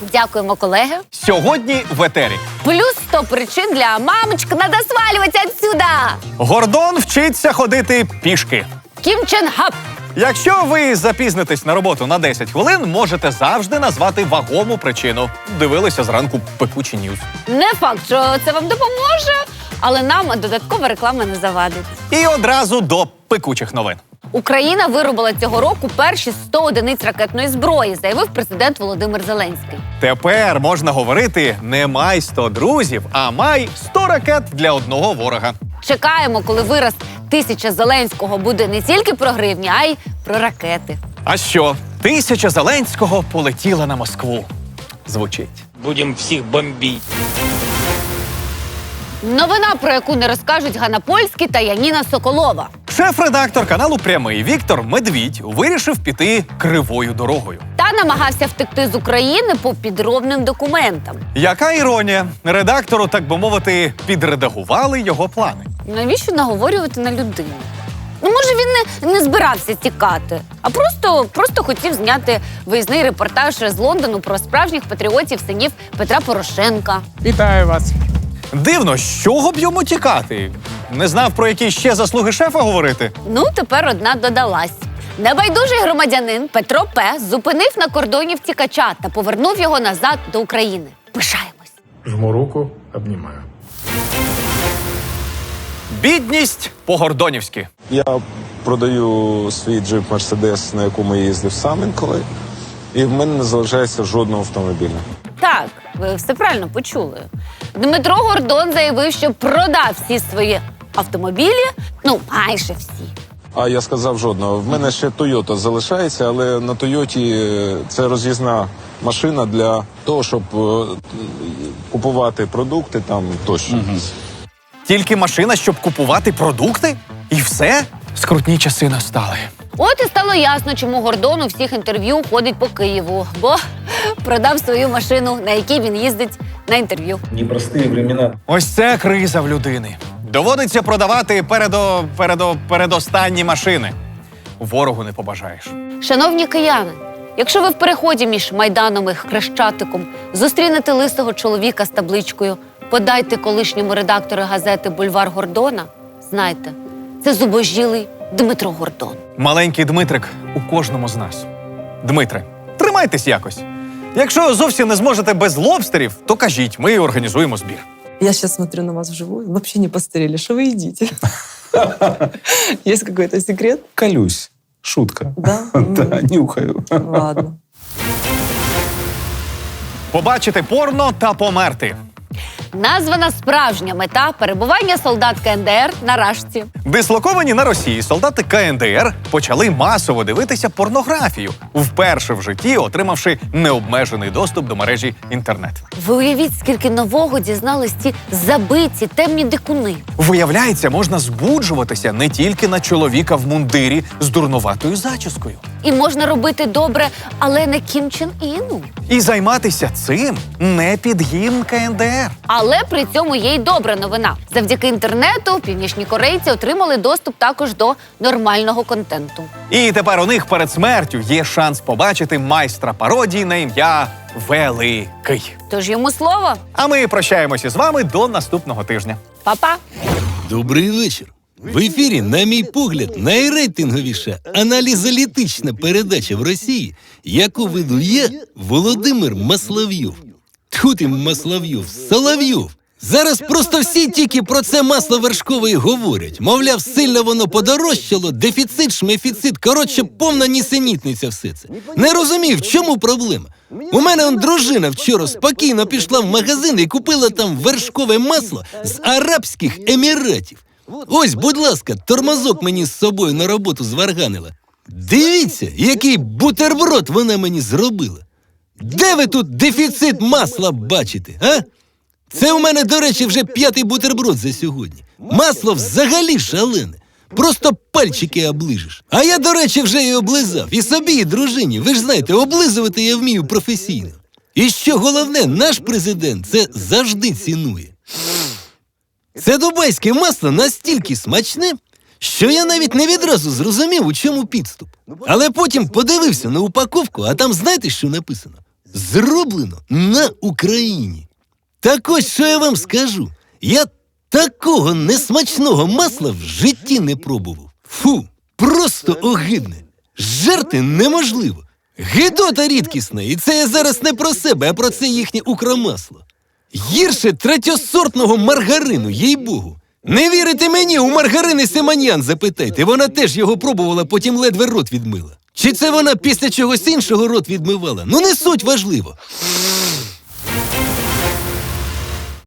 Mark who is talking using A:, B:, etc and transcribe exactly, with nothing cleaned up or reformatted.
A: Дякуємо, колеги.
B: Сьогодні в етері.
A: Плюс сто причин для мамочки, надо свалювати отсюда.
B: Гордон вчиться ходити пішки.
A: Кім Чен Гап.
B: Якщо ви запізнитесь на роботу на десять хвилин, можете завжди назвати вагому причину. Дивилися зранку пекучі ньюз.
A: Не факт, що це вам допоможе, але нам додаткова реклама не завадить.
B: І одразу до пекучих новин.
A: Україна виробила цього року перші сто одиниць ракетної зброї, заявив президент Володимир Зеленський.
B: Тепер можна говорити не май сто друзів, а май сто ракет для одного ворога.
A: Чекаємо, коли вираз тисяча Зеленського буде не тільки про гривні, а й про ракети.
B: А що? Тисяча Зеленського полетіла на Москву. Звучить.
C: Будем всіх бомбить.
A: Новина, про яку не розкажуть Ганна Польський та Яніна Соколова.
B: Шеф-редактор каналу «Прямий» Віктор Медвідь вирішив піти кривою дорогою.
A: Та намагався втекти з України по підробним документам.
B: Яка іронія? Редактору, так би мовити, підредагували його плани.
A: Навіщо наговорювати на людину? Ну, може, він не, не збирався тікати, а просто, просто хотів зняти виїзний репортаж з Лондону про справжніх патріотів синів Петра Порошенка.
D: Вітаю вас.
B: Дивно, з чого б йому тікати? Не знав, про які ще заслуги шефа говорити?
A: Ну, тепер одна додалась. Небайдужий громадянин Петро П. зупинив на кордоні втікача та повернув його назад до України. Пишаємось.
D: Жму руку, обнімаю.
B: Бідність по-гордонівськи.
E: Я продаю свій джип Мерседес, на якому я їздив сам інколи, і в мене не залишається жодного автомобіля.
A: Так, ви все правильно почули. Дмитро Гордон заявив, що продав всі свої автомобілі, ну, майже всі.
E: А я сказав жодного. В мене ще Тойота залишається, але на Тойоті це роз'їзна машина для того, щоб е, купувати продукти там тощо. Угу.
B: Тільки машина, щоб купувати продукти? І все? Скрутні часи настали.
A: От і стало ясно, чому Гордон у всіх інтерв'ю ходить по Києву, бо продав свою машину, на якій він їздить на інтерв'ю.
F: Непрості времена.
B: Ось це криза в людини. Доводиться продавати передо, передо, передостанні машини. Ворогу не побажаєш.
A: Шановні кияни, якщо ви в переході між Майданом і Хрещатиком зустрінете лисого чоловіка з табличкою «Подайте колишньому редактору газети «Бульвар Гордона», знайте, це зубожілий Дмитро Гордон.
B: Маленький Дмитрик у кожному з нас. Дмитре, тримайтесь якось. Якщо зовсім не зможете без лобстерів, то кажіть, ми організуємо збір.
G: Я сейчас смотрю на вас вживую, вообще не постарели. Что вы едите? Есть какой-то секрет?
F: Колюсь. Шутка.
G: Да?
F: Да, нюхаю.
G: Ладно.
B: Побачити порно та померти.
A: Названа справжня мета перебування солдат Ка Ен Де Ер на Рашці.
B: Дислоковані на Росії солдати Ка Ен Де Ер почали масово дивитися порнографію, вперше в житті отримавши необмежений доступ до мережі інтернет.
A: Ви уявіть, скільки нового дізнались ці забиті темні дикуни.
B: Виявляється, можна збуджуватися не тільки на чоловіка в мундирі з дурнуватою зачіскою.
A: І можна робити добре, але не Кім Чен Іну.
B: І займатися цим не під гімн Ка Ен Де Ер.
A: Але при цьому є й добра новина. Завдяки інтернету північні корейці отримали доступ також до нормального контенту.
B: І тепер у них перед смертю є шанс побачити майстра пародії на ім'я Великий.
A: Тож йому слово.
B: А ми прощаємося з вами до наступного тижня.
A: Па-па.
H: Добрий вечір. В ефірі, на мій погляд, найрейтинговіша аналізалітична передача в Росії, яку видує Володимир Масловйов. Тьху ти, Масловйов, Соловйов. Зараз просто всі тільки про це масло вершкове й говорять. Мовляв, сильно воно подорожчало, дефіцит, шмефіцит, коротше, повна нісенітниця все це. Не розумію, в чому проблема. У мене он дружина вчора спокійно пішла в магазин і купила там вершкове масло з Арабських Еміратів. Ось, будь ласка, тормозок мені з собою на роботу зварганила. Дивіться, який бутерброд вона мені зробила. Де ви тут дефіцит масла бачите, а? Це у мене, до речі, вже п'ятий бутерброд за сьогодні. Масло взагалі шалене. Просто пальчики оближеш. А я, до речі, вже і облизав. І собі, і дружині. Ви ж знаєте, облизувати я вмію професійно. І що головне, наш президент це завжди цінує. Це дубайське масло настільки смачне, що я навіть не відразу зрозумів, у чому підступ. Але потім подивився на упаковку, а там знаєте, що написано? зроблено на Україні. Так ось, що я вам скажу. Я такого несмачного масла в житті не пробував. Фу, просто огидне. Жерти неможливо. Гидота рідкісна, і це я зараз не про себе, а про це їхнє укромасло. Гірше третьосортного маргарину, їй-богу. Не вірите мені, у Маргарини Симонян запитайте, вона теж його пробувала, потім ледве рот відмила. Чи це вона після чогось іншого рот відмивала? Ну не суть важливо.